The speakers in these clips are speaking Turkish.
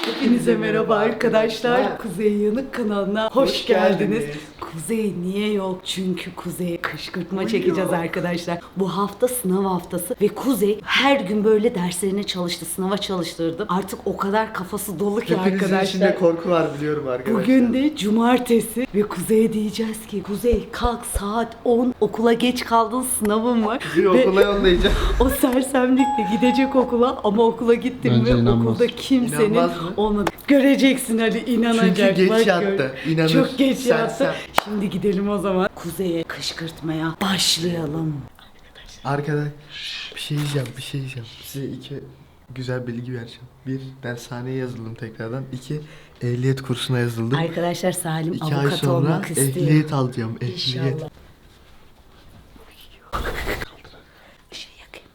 Hepinize merhaba arkadaşlar. Kuzey Yanık kanalına hoş geldiniz. Kuzey niye yok? Çünkü Kuzey'e kışkırtma çekeceğiz arkadaşlar. Bu hafta sınav haftası ve Kuzey her gün böyle derslerine çalıştı. Sınava çalıştırdım. Artık o kadar kafası dolu ki Hepinizin arkadaşlar. içinde korku var biliyorum arkadaşlar. Bugün de cumartesi ve Kuzey'e diyeceğiz ki Kuzey kalk saat 10 okula geç kaldın sınavın var. Bizi okula yollayacağım. O sersemlikle gidecek okula ama okula gittim Bence ve inanmaz. okulda kimsenin İnanmaz mı? olmadı. Göreceksin hadi inanacak. Çünkü geç bak gör. yattı. İnanır. Çok geç Sen. yattı. Şimdi gidelim o zaman. Kuzey'e kışkırtmaya başlayalım. Arkadaş bir şey diyeceğim. Size iki güzel bilgi vereceğim. Bir, dershaneye yazıldım tekrardan. İki, ehliyet kursuna yazıldım. Arkadaşlar Salim 2 ay avukat sonra olmak istiyor. ehliyet alacağım. Ehliyet. İnşallah. Bir şey yakayım.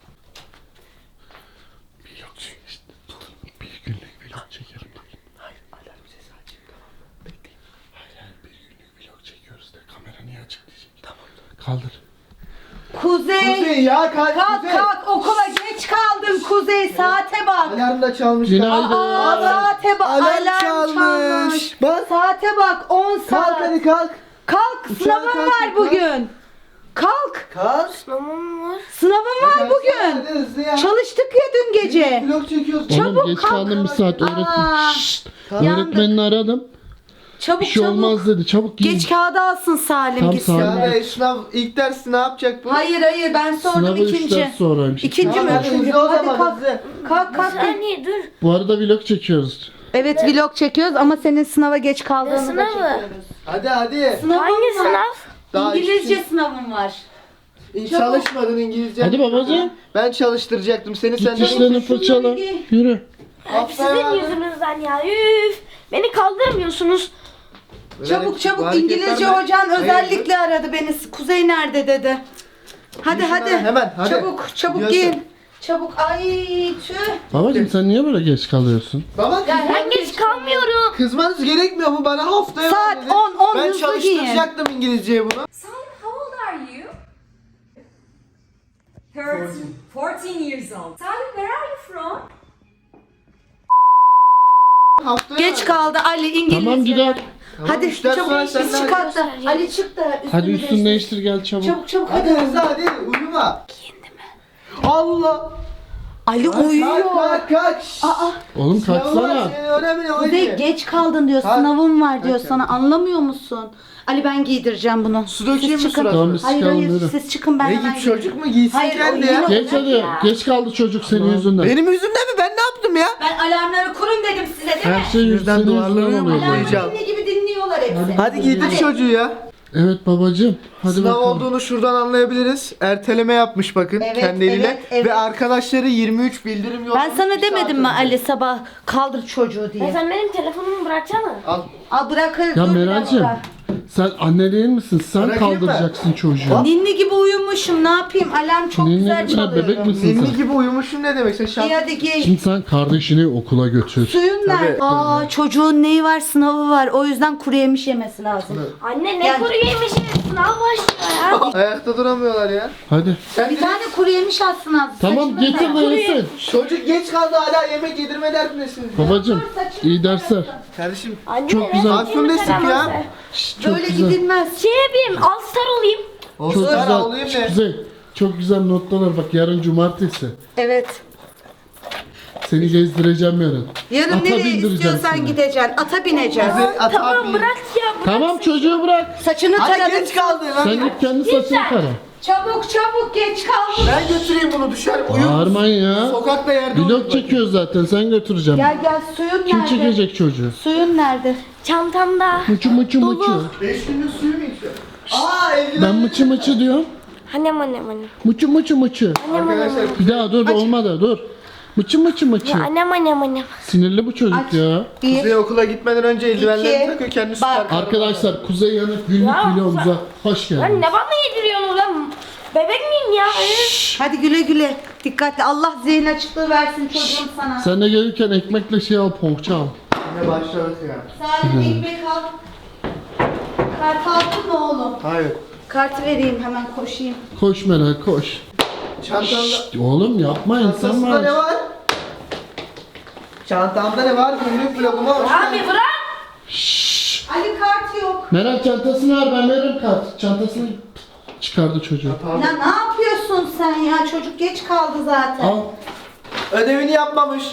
Bir günlük vlog çekerim. Hayır, alarm sesi açayım. Tamam. Bekleyin. Hayır, bir günlük vlog çekiyoruz de kamera niye açık diyecek. Tamam. Kaldır. Kuzey! ya kalk Kalk okula geç kaldın Kuzey saate bak. Alarm da çalmış. Günaydın. Aa, saate bak. Alarm Alarm çalmış. Bak. Saate bak 10 saat. Kalk hadi kalk. Kalk Uçağa sınavın kalk, var kalk. bugün. Kalk. Kalk. Sınavın var bugün. Hadi hızlı ya. Çalıştık ya dün gece. Vlog çekiyoruz. Çabuk Oğlum geç kalk. kaldım bir saat Aa, öğretmen. Şşt. yandık. Öğretmenini aradım. Çabuk Bir şey çabuk. olmaz dedi. Çabuk giyin. Geç kağıdı alsın Salim Tam gitsin. Salim. Ya be, sınav ilk dersi ne yapacak bu? Hayır ben sordum Sınavı 3 ikinci. ders sonraymış. İkinci Tamam, mi? hadi Üçüncü. hızlı o Hadi zaman, kalk. hızlı. Kalk. Saniye dur. Bu arada vlog çekiyoruz. Evet vlog çekiyoruz ama senin sınava geç kaldığını da sınavı? çekiyoruz. Hadi. Sınavın Hangi var. sınav? Daha İngilizce sınavın var. Çalışmadın İngilizce. Hadi babacığım. Ben çalıştıracaktım seni, Git sen de dişlerini fırçala. giy. Yürü. Hep sizin yüzünüzden ya. Üf. Beni kaldıramıyorsunuz. Çabuk İngilizce hocan özellikle aradı beni. Kuzey nerede dedi. Hadi Giy hadi. şunları hemen, hadi. Çabuk Gidiyorsun. giyin. Çabuk ay tüh. Babacığım sen niye böyle geç kalıyorsun? Baba Ben geç kalmıyorum. kızmanız gerekmiyor mu, bana haftaya Saat ver dedi. 10, Ben hızlı çalıştıracaktım İngilizceyi bunu. Salim, how old are you? 14 years old. Salim, where are you from? Haftaya Geç ver. kaldı Ali İngilizce. Tamam gider. Tamam, Hadi üç ders çabuk sonra biz sen de çıkart da. Ali çık da Hadi üstünü üstünü değiştir gel çabuk. Çabuk Hadi hadi. hızlı, hadi uyuma. Allah. Ali uyuyor. Kalk. Oğlum kalksana. Önemli Kuzey geç kaldın diyor. Kalk. Sınavın var diyor Kalk. sana. Anlamıyor musun? Ali ben giydireceğim bunu. Su dökeyim mi Siz çıkın. suratına? Tamam, biz Hayır çıkalım, hayır yürü. siz çıkın ben Ne hemen git, çocuk giydireyim. mu giysin Hayır, kendi ya? oynuyor. Geç hadi. Geç kaldı çocuk senin yüzünden. Benim yüzümden mi? Ben ne yaptım ya? Ben alarmları kurun dedim size değil mi? Her şey Yüzden senin duvarları yüzünden oluyor. yumruklayacağım. böyle. Alarmı dinle gibi dinliyorlar hepsi. Hadi giydir çocuğu ya. Evet babacığım. Hadi Sınav bakalım. olduğunu şuradan anlayabiliriz. Erteleme yapmış bakın Evet, kendi eliyle. evet. Ve arkadaşları 23 bildirim yollamış. Ben sana bir demedim saat mi önce. Ali sabah kaldır çocuğu Ya diye. sen benim telefonumu bıraksana. Al. Al bırakır Ya dur bir Meral'cim dakika. sen anne değil misin? Sen Bırakayım mı? kaldıracaksın çocuğu. Ninni gibi uyumuşum ne yapayım alarm çok Ninni güzel gibi, çalıyor. bebek misin Ninni sen? gibi uyumuşum ne demek? Sen şart... İyi hadi giy. Şimdi sen kardeşini okula götür. Suyun nerede? Aa çocuğun neyi var sınavı var o yüzden kuru yemiş yemesi lazım. Anne ne Gel. kuru yemişim. Sınav başlıyor ya. Ayakta duramıyorlar ya. Hadi. Sen Bir tane kuru yemiş alsın az. Tamam Saçını getir tak. de yesin. Çocuk geç kaldı, hala yemek yedirme derdindesin. Babacığım iyi dersler. Kardeşim Anne Çok ne güzel. Afyon destek ya. Çok Böyle güzel. gidilmez. Şey yapayım. All star olayım. Çok olsun güzel. alayım ne? Güzel. Çok güzel notlar bak yarın cumartesi. Evet. Seni gezdireceğim yarın. Yarın Ata nereye bindireceğim istiyorsan seni. gideceksin. Ata bineceksin. Tamam bırak ya. Tamam çocuğu bırak. Saçını Hadi taradım. geç kaldı lan. Sen git kendi saçını tara. Çabuk geç kaldın. Ben götüreyim bunu, dışarı uyur. Bağırmayın ya. Sokakta yerde Vlog uyur. çekiyoruz zaten sen götüreceğim. Gel suyun Kim nerede? çekecek çocuğu? Suyun nerede? Çantamda. Mıçı mıçı mıçı. 5 günlük suyu mu içiyor? Aa eldiven. Ben mıçı mıçı diyorum. Annem. Mıçı mıçı mıçı. Arkadaşlar Bir daha dur olmadı dur. Mıçı mıçı mıçı. Annem. Sinirli bu çocuk Aç. ya. Bir. Kuzey okula gitmeden önce eldivenlerini İki. takıyor, kendisi Bak. takar. Arkadaşlar Kuzey Yanık günlük Ya, vlogumuza hoş Lan geldiniz. ne bana yediriyorsun lan? Bebek miyim ya? Hadi güle. Dikkatli. Allah zihin açıklığı versin çocuğum sana. Sen de gelirken ekmekle şey al poğaça al. Yine başladık ya. Salim ekmek al. Kart aldın mı oğlum? Hayır. Kartı vereyim hemen koşayım. Koş Meral koş. Çantanda... Oğlum yapma insan Çantasında ne var. var? Çantamda ne var? Günlük vloguma hoş Abi geldin. bırak. Ali kart yok. Meral çantasını ver, ben veririm kart. Çantasını çıkardı çocuğu. Ya ne yapıyorsun sen ya? Çocuk geç kaldı zaten. Al. Ödevini yapmamış.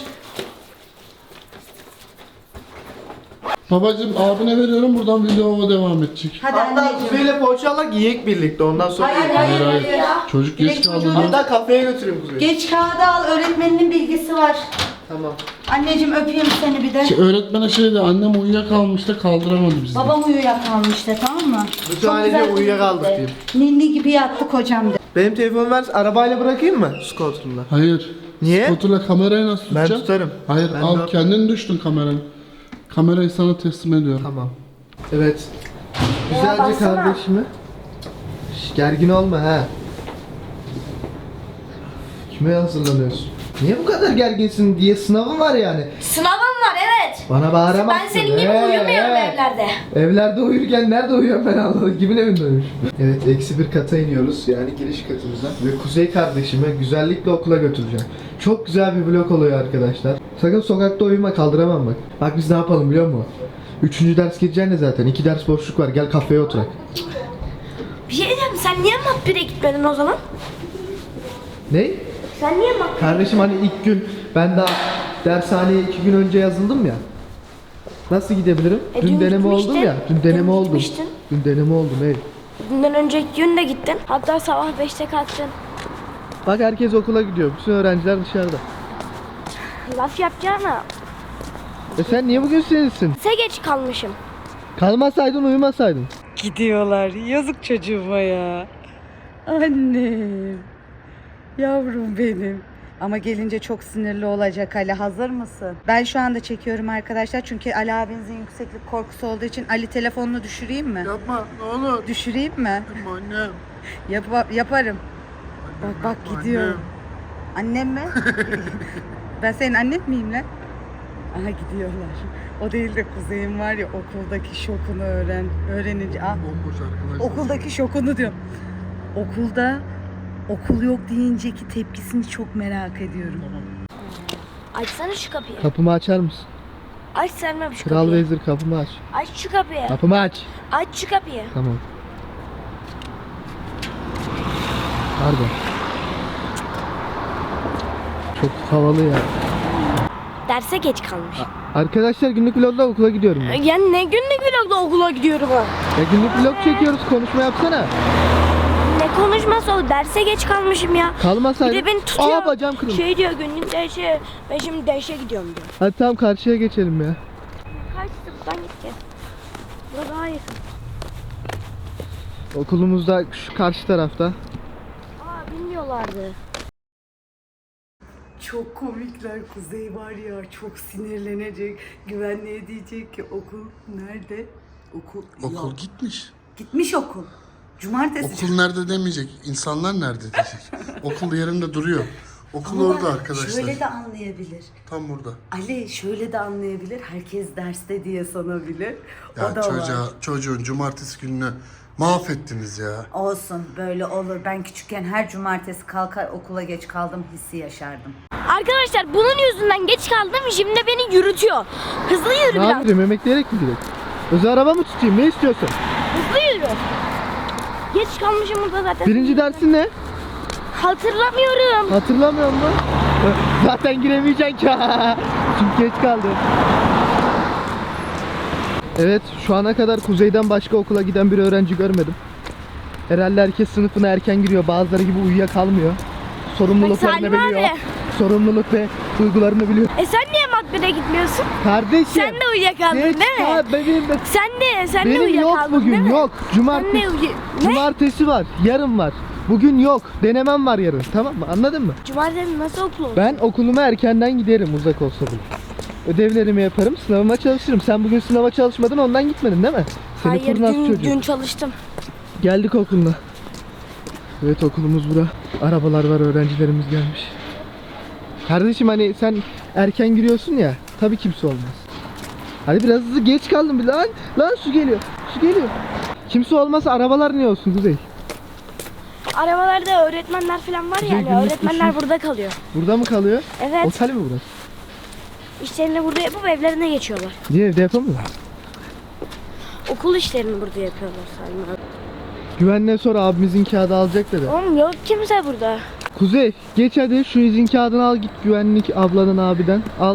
Babacım abine veriyorum, buradan videoma devam edecek. Hadi Hatta anneciğim. Kuzey'le poğaçalar yiyek birlikte ondan sonra. Hayır. Çocuk geç Direkt kaldı. çocuğu- lan. Hatta kafeye götüreyim Kuzey'i. Geç kağıdı al. Öğretmeninin bilgisi var. Tamam. Anneciğim öpeyim seni bir de. Öğretmene şeydi, annem uyuyakalmış da kaldıramadı bizi. Babam uyuyakalmıştı, tamam mı? Bu sadece uyuyakaldık de. diyeyim. Ninni gibi yattık hocam de. Benim telefonumu ver, arabayla bırakayım mı? Scooter'la. Hayır. Niye? Scooter'la kamerayı nasıl Ben tutacağım? tutarım. Hayır, Ben al de- kendin düştün kamerayı. Kamerayı sana teslim ediyorum. Tamam. Evet. Güzelce kardeşimi. Şş, gergin olma ha. Kime hazırlanıyorsun? Niye bu kadar gerginsin diye sınavın var yani. Sınavım var evet. Bana bağıramazsın. Ben senin gibi uyumuyorum evlerde. Evlerde uyurken nerede uyuyorum ben anladım. Kimin evinde uyumuş? Evet, -1 kata iniyoruz. Yani giriş katımıza. Ve Kuzey kardeşimi güzellikle okula götüreceğim. Çok güzel bir vlog oluyor arkadaşlar. Sakın sokakta uyuma, kaldıramam bak. Bak biz ne yapalım biliyor musun? 3. ders gideceksin de zaten. 2 ders boşluk var. Gel kafeye oturak. Bir şey diyeceğim, sen niye Makbir'e gitmedin o zaman? Ne? Sen niye Makbir'e? Kardeşim hani ilk gün ben daha dershaneye 2 gün önce yazıldım ya. Nasıl gidebilirim? dün Dün deneme oldum gitmiştin. ya. Dün deneme Dün oldum. gitmiştin. Dün deneme oldum ey. Bundan önceki gün de gittin. Hatta sabah 5'te kalktın. Bak herkes okula gidiyor. Bütün öğrenciler dışarıda. Laf yapacağına Sen niye bugün sinirlisin? geç kalmışım. Kalmasaydın uyumasaydın. Gidiyorlar. Yazık çocuğuma ya. Annem. Yavrum benim. Ama gelince çok sinirli olacak Ali. Hazır mısın? Ben şu anda çekiyorum arkadaşlar. Çünkü Ali abinizin yükseklik korkusu olduğu için Ali telefonunu düşüreyim mi? Yapma, ne olur. Düşüreyim mi? Annem. Yaparım. Bak gidiyor. Annem mi? Ben senin annen miyim lan? Aha gidiyorlar. O değil de Kuzey'in var ya okuldaki şokunu öğrenince. Ah, Bomboş arkadaşlar. okuldaki şokunu diyorum. Okulda okul yok deyinceki tepkisini çok merak ediyorum. Açsana şu kapıyı. Kapımı açar mısın? Aç Selma şu Kral kapıyı. Vezir kapımı aç. Aç şu kapıyı. Kapımı aç. Aç şu kapıyı. Tamam. Pardon. Çok havalı ya. Derse geç kalmış. Arkadaşlar günlük vlogda okula gidiyorum ben. Ya ne günlük vlogda okula gidiyorum ha. Ya günlük vlog çekiyoruz, konuşma yapsana. Ne konuşması o, derse geç kalmışım ya. Bir Kalmasaydın. de beni tutuyor. Aa bacağım kırıldı. Şey diyor günlük derse. Ben şimdi derse gidiyorum diyor. Hadi tamam karşıya geçelim ya. Kaçtı buradan gitti. Burada daha yakın. Okulumuzda şu karşı tarafta. Aa bilmiyorlardı. Çok komikler. Kuzey var ya çok sinirlenecek. Güvenliğe diyecek ki okul nerede? Okul Okul yok. gitmiş. Gitmiş okul. Cumartesi. Okul nerede demeyecek, insanlar nerede diyecek. Okul yerinde duruyor. Okul Ama orada bak, arkadaşlar. Şöyle de anlayabilir. Tam burada. Ali şöyle de anlayabilir. Herkes derste diye sanabilir. Ya O da var. çocuğun cumartesi gününü mahvettiniz ya. Olsun böyle olur. Ben küçükken her cumartesi kalkar okula geç kaldım hissi yaşardım. Arkadaşlar bunun yüzünden geç kaldım, şimdi beni yürütüyor. Hızlı yürü Ne biraz. yapayım, emekleyerek mi gidelim? Özel araba mı tutayım, ne istiyorsun? Hızlı yürü. Geç kalmışım burada zaten. Birinci dersin ne? Hatırlamıyorum. Hatırlamıyor musun? Zaten giremeyeceksin ki. Çünkü geç kaldın. Evet, şu ana kadar Kuzey'den başka okula giden bir öğrenci görmedim. Herhalde herkes sınıfına erken giriyor. Bazıları gibi uyuyakalmıyor. Sorumluluklarını Salim biliyor. abi. Sorumluluk ve duygularını biliyor. Sen niye Makbir'e gitmiyorsun? Kardeşim. Sen de uyuyakaldın geç değil mi? kal- Benim, Sen de benim yok uyuyakaldın değil bugün, mi? yok. Cumartesi. Ne? Cumartesi var, yarın var. Bugün yok. Denemem var yarın. Tamam mı? Anladın mı? Cumartesi nasıl okul olur? Ben okuluma erkenden giderim uzak olsa bile. Ödevlerimi yaparım, sınavıma çalışırım. Sen bugün sınava çalışmadın, ondan gitmedin değil mi? Seni Hayır kurnaz çocuğu. dün çalıştım. Geldik okuluna. Evet okulumuz bura. Arabalar var, öğrencilerimiz gelmiş. Kardeşim hani sen erken giriyorsun ya, tabii kimse olmaz. Hadi biraz hızlı, geç kaldım bir lan. Lan su geliyor, su geliyor. Kimse olmasa arabalar niye olsun Kuzey? Arabalarda öğretmenler falan var Kuzey yani. günlük Öğretmenler düşün. burada kalıyor. Burada mı kalıyor? Evet. Otel mi burası? İşlerini burada yapıp evlerine geçiyorlar. Niye evde yapamıyor? Okul işlerini burada yapıyorlar Salim abi. Güvenliğe sor, abimizin kağıdı alacak dedi. Oğlum yok kimse burada. Kuzey geç hadi şu izin kağıdını al, git güvenlik ablanın abiden al.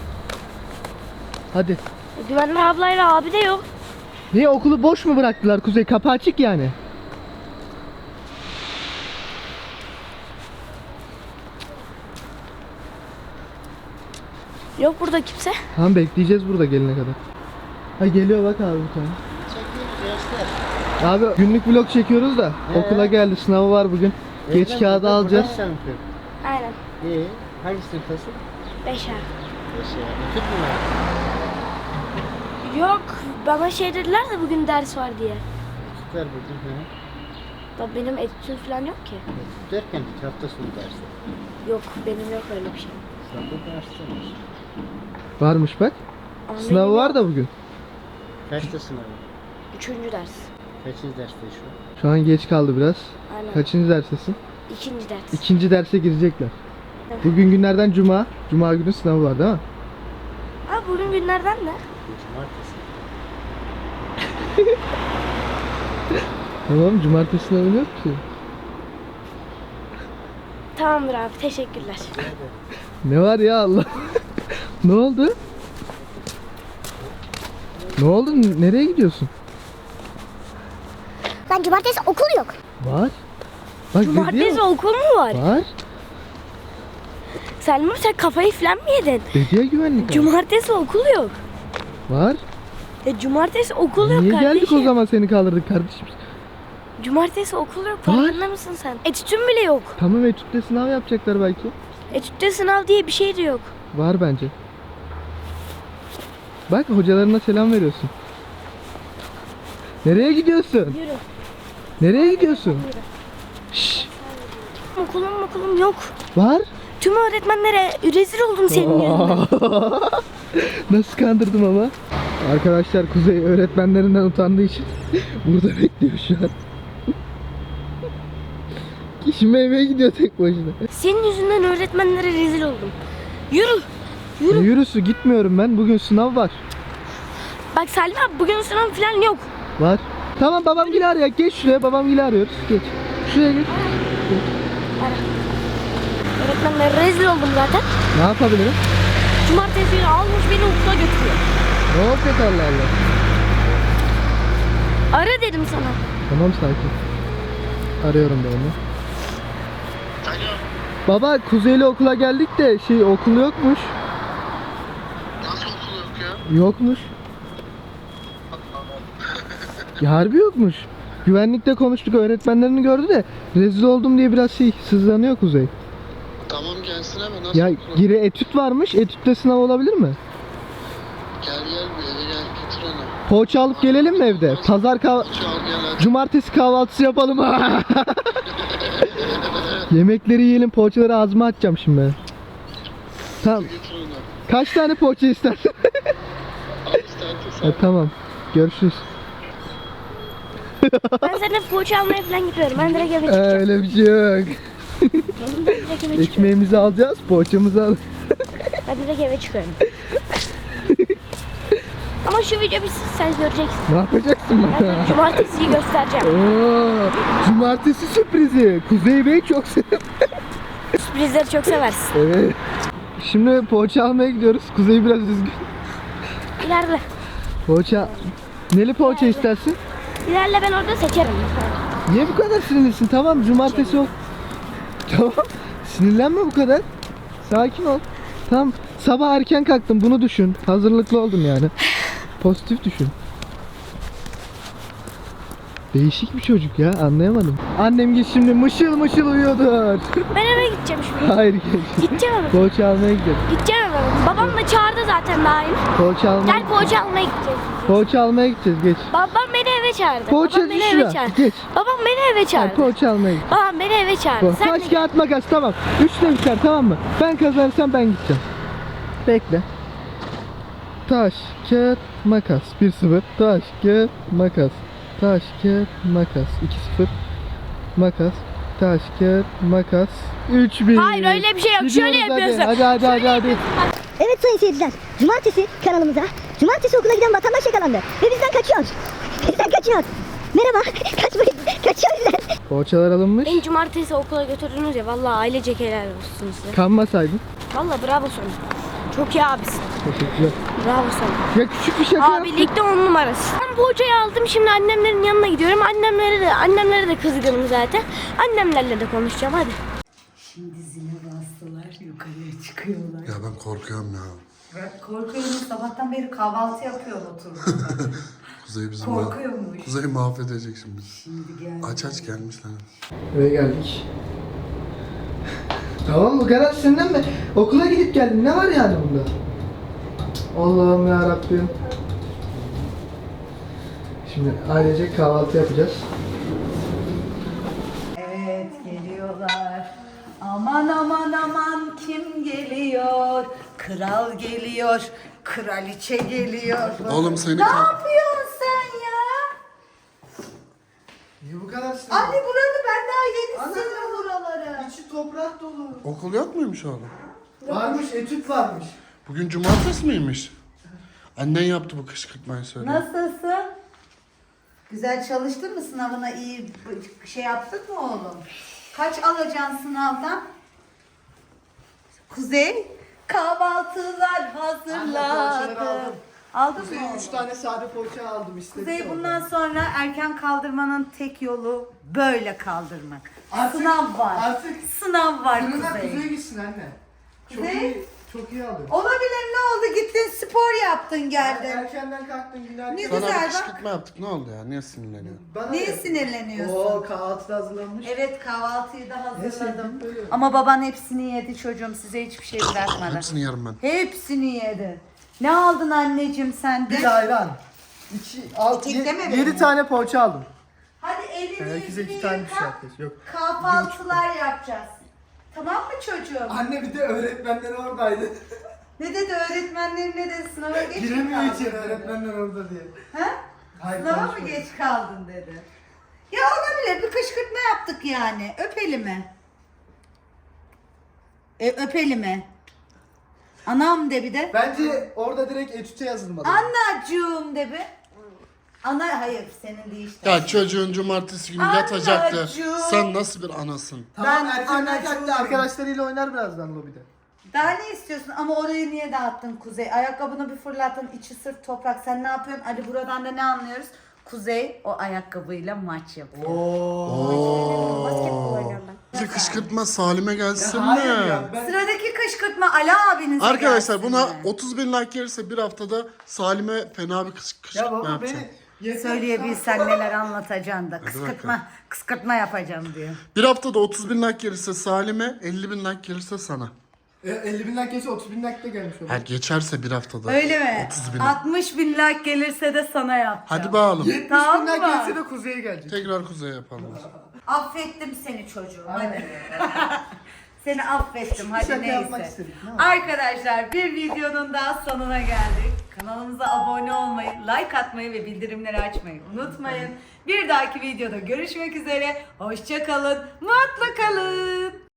Hadi. Güvenli ablayla abi de yok. Niye, okulu boş mu bıraktılar Kuzey? Kapı açık yani. Yok burada kimse. Tamam, bekleyeceğiz burada gelene kadar. Ha geliyor bak abi bir tane. Abi günlük vlog çekiyoruz da okula geldi, sınavı var bugün. Geç kağıdı alacağız. Aynen. İyi. Hangi sınıftasın? 5 ay. Eşya. Tut mu var? Yok bana şey dediler de bugün ders var diye. Tutlar bugün. Hı. Da benim etütüm falan yok ki. Tut derken hafta sonu dersi. Yok benim yok öyle bir şey. Sabah derslermiş. Varmış bak. Ama Sınavı benim var yok. da bugün. Kaçta sınavı? 3. ders. Kaçıncı derste şu an? Şu an geç kaldı biraz. Aynen. Kaçıncı derstesin? 2. ders. İkinci derse girecekler. Evet. Bugün günlerden cuma. Cuma günü sınavı var değil mi? Ha bugün günlerden ne? Cumartesi. Tamam, cumartesi sınavı yok ki. Tamamdır abi teşekkürler. Ne var ya Allah. Ne oldu? Ne oldu? Nereye gidiyorsun? Lan cumartesi okul yok. Var. Bak Cumartesi okul mu var? Var. Selma sen kafayı falan mı yedin? Dedi ya güvenlik abi. Cumartesi okul yok. Var. Cumartesi okul yok Niye kardeşim. geldik o zaman, seni kaldırdık kardeşim? Cumartesi okul yok Var. farkında mısın sen? Etütün bile yok. Tamam, etütte sınav yapacaklar belki. Etütte sınav diye bir şey de yok. Var bence. Bak hocalarına selam veriyorsun. Nereye gidiyorsun? Yürü. Nereye gidiyorsun? Şşş. Okulum yok. Var. Tüm öğretmenlere rezil oldum senin yüzünden. Nasıl kandırdım ama. Arkadaşlar Kuzey öğretmenlerinden utandığı için burada bekliyor şu an. Şimdi eve gidiyor tek başına. Senin yüzünden öğretmenlere rezil oldum. Yürü. Ne yürüsü, gitmiyorum ben. Bugün sınav var. Bak Salim abi bugün sınav falan yok. Var. Tamam, babam gel arıyor. Geç şuraya, babam gel arıyoruz. Geç. Şuraya geç. Öğretmenlere rezil oldum zaten. Ne yapabilirim? Cumartesi günü almış beni okula götürüyor. Ne olacak Allah Allah. Ara dedim sana. Tamam, sakin. Arıyorum ben onu. Baba Kuzey'le okula geldik de okul yokmuş. Nasıl okul yok ya? Yokmuş. Ya harbi yokmuş. Güvenlikte konuştuk, öğretmenlerini gördü de rezil oldum diye biraz sızlanıyor Kuzey. Tamam gelsin hemen. Nasıl Ya okul? geri etüt varmış. Etütte sınav olabilir mi? Gel bir eve gel getir onu. Poğaça alıp gelelim mi evde? Pazar Çal gel hadi. Cumartesi kahvaltısı yapalım. Yemekleri yiyelim, poğaçaları ağzıma atacağım şimdi ben. Tamam. Getir onu. Kaç tane poğaça istersin? Al istersen Ha, tamam. Görüşürüz. Ben seninle poğaça almaya falan gidiyorum. Ben direkt eve çıkacağım. Öyle bir şey yok. Ben direkt eve çıkıyorum. Ekmeğimizi alacağız, poğaçamızı al. Ben direkt eve çıkıyorum. Ama şu video bitsin sen göreceksin. Ne yapacaksın Ben bana? sana cumartesiyi göstereceğim. Oo, cumartesi sürprizi. Kuzey Bey çok seviyor. Sürprizleri çok seversin. Evet. Şimdi poğaça almaya gidiyoruz. Kuzey biraz üzgün. İlerle. Poğaça. Neli poğaça istersin? İlerle ben orada seçerim. Niye bu kadar sinirlisin? Tamam, cumartesi ol. Tamam. Sinirlenme bu kadar. Sakin ol. Tamam. Sabah erken kalktım, bunu düşün. Hazırlıklı oldum yani. Pozitif düşün. Değişik bir çocuk ya, anlayamadım. Annem git şimdi mışıl mışıl uyuyordur. Ben eve gideceğim şimdi. Hayır, geç. Gideceğim eve. Poğaça almaya gidelim. Gideceğim eve. Babam da çağırdı zaten daim. Poğaça almaya, Gel poğaça almaya gideceğiz. poğaça almaya gideceğiz, geç. Babam beni eve çağırdı. Poğaça Babam beni şuraya, eve çağırdı. geç. Babam beni eve Hayır, çağırdı. poğaça almaya gideceğiz. Babam beni eve çağırdı. Sen Taş de kağıt makas, tamam. 3'le biter, tamam mı? Ben kazanırsam ben gideceğim. Bekle. Taş, kağıt, makas. 1-0. Taş, kağıt, makas. Taş, kağıt, makas. 2-0. Makas. Taş, kağıt, makas. 3-1. Hayır, öyle bir şey yok. Şöyle Gidiyoruz hadi. yapıyorsun. Hadi. Şöyle yapıyorsun. Bak, Evet sayın seyirciler, cumartesi kanalımıza cumartesi okula giden vatandaş yakalandı ve bizden kaçıyor. Bizden kaçıyor. Merhaba, kaçmayın, kaçıyor bizden. Poğaçalar alınmış. Beni cumartesi okula götürdünüz ya, vallahi ailecek helal olsun size. Kanmasaydın. Vallahi bravo sana. Çok iyi abisin. Teşekkürler. Bravo sana. Ya küçük bir şaka yaptım. Abilikte 10 numarası. Ben bu hocayı aldım, şimdi annemlerin yanına gidiyorum. Annemlere de kızgınım zaten. Annemlerle de konuşacağım, hadi. Şimdi zile bastılar, yukarıya çıkıyorlar. Ya ben korkuyorum ya. Ben korkuyorum, sabahtan beri kahvaltı yapıyor oturdum. Kuzey bizi Korkuyormuş. Kuzey mahvedecek şimdi. Şimdi geldi. Aç gelmişler. Eve geldik. Tamam bu kadar senden mi? Okula gidip geldin. Ne var yani bunda? Allah'ım ya Rabbim. Şimdi ailecek kahvaltı yapacağız. Evet, geliyorlar. Aman aman aman, kim geliyor? Kral geliyor, kraliçe geliyor. Oğlum seni Ne yapıyorsun sen ya? Niye bu kadar sinirli? Anne buralı, ben daha yeni sildim buraları. İçi toprak dolu. Okul yok muymuş oğlum? Varmış, etüt varmış. Bugün cumartesi miymiş? Annen yaptı bu kışkırtmayı söyle. Nasılsın? Güzel çalıştın mı sınavına, iyi şey yaptın mı oğlum? Kaç alacaksın sınavdan? Kuzey, kahvaltılar hazırladım. Aldın mı oğlum? 3 tane sade poğaça aldım istedim. Kuzey, bundan sonra erken kaldırmanın tek yolu böyle kaldırmak. Sınav var. Artık Sınav var fırına Kuzey. Kuzey gitsin anne. Çok Kuzey? iyi, çok iyi alıyor. Olabilir, ne oldu? Gittin spor yaptın geldin. Erkenden kalktın günaydın. Ne Sana güzel bir bak. kışkırtma yaptık, ne oldu ya? Niye sinirleniyorsun? Bana Niye ne? sinirleniyorsun? Oo kahvaltı da hazırlanmış. Evet, kahvaltıyı da hazırladım. sevdim, böyle. Ama baban hepsini yedi çocuğum, size hiçbir şey bırakmadı. Hepsini yerim ben. Hepsini yedi. Ne aldın anneciğim sen de? Bir ayran. Tek deme 7 benim. tane poğaça aldım. Hadi elini Herkese yüzünü 2 tane bir şey yıka. yapacağız. Yok. Kahvaltılar yapacağız. Tamam mı çocuğum? Anne bir de öğretmenler oradaydı. Ne dedi öğretmenlerin, ne dedi, sınava geç mi Giremiyor kaldın içeri dedi? öğretmenler orada diye. Ha? Hayır, Sınava mı konuşmadı. geç kaldın dedi. Ya olabilir, bir kışkırtma yaptık yani. Öp elimi. Öp elimi. Anam de bir de. Bence orada direkt etüte yazılmalı. Anacığım de bir. Hayır, senin değil işte. Ya çocuğun cumartesi günü yatacaktı. Anacığım. Sen nasıl bir anasın? Tamam Ben erkenden anacığım. kalktı arkadaşlarıyla oynar birazdan lobide. Daha ne istiyorsun? Ama orayı niye dağıttın Kuzey? Ayakkabını bir fırlattın, içi sırf toprak. Sen ne yapıyorsun? Ali buradan da ne anlıyoruz? Kuzey o ayakkabıyla maç yapıyor. Basketbol oynuyorum ben. Bize kışkırtma Salim'e gelsin Hayır mi? ya ben... Sıradaki kışkırtma Ali abinize Arkadaşlar gelsin buna mi? 30 bin like gelirse bir haftada Salim'e fena bir Ya kışkırtma baba yapacağım. beni... Söyleyebilsen neler anlatacaksın da. Kıskırtma yapacağım diyor. Bir haftada 30 bin like gelirse Salim'e, 50 bin like gelirse sana. 50 bin like geçse 30 bin like de gelmiş olur. Her geçerse bir haftada. Öyle mi? 30 bin. 60 bin like gelirse de sana yapacağım. Hadi bakalım. 70 Tamam bin like mı? gelse de kuzeye gelecek. Tekrar kuzey yapalım. Affettim seni çocuğum. Hadi. Seni affettim. Hadi şaka yapmak neyse. istedik, değil mi? Arkadaşlar, bir videonun daha sonuna geldik. Kanalımıza abone olmayı, like atmayı ve bildirimleri açmayı unutmayın. Bir dahaki videoda görüşmek üzere. Hoşça kalın. Mutlu kalın.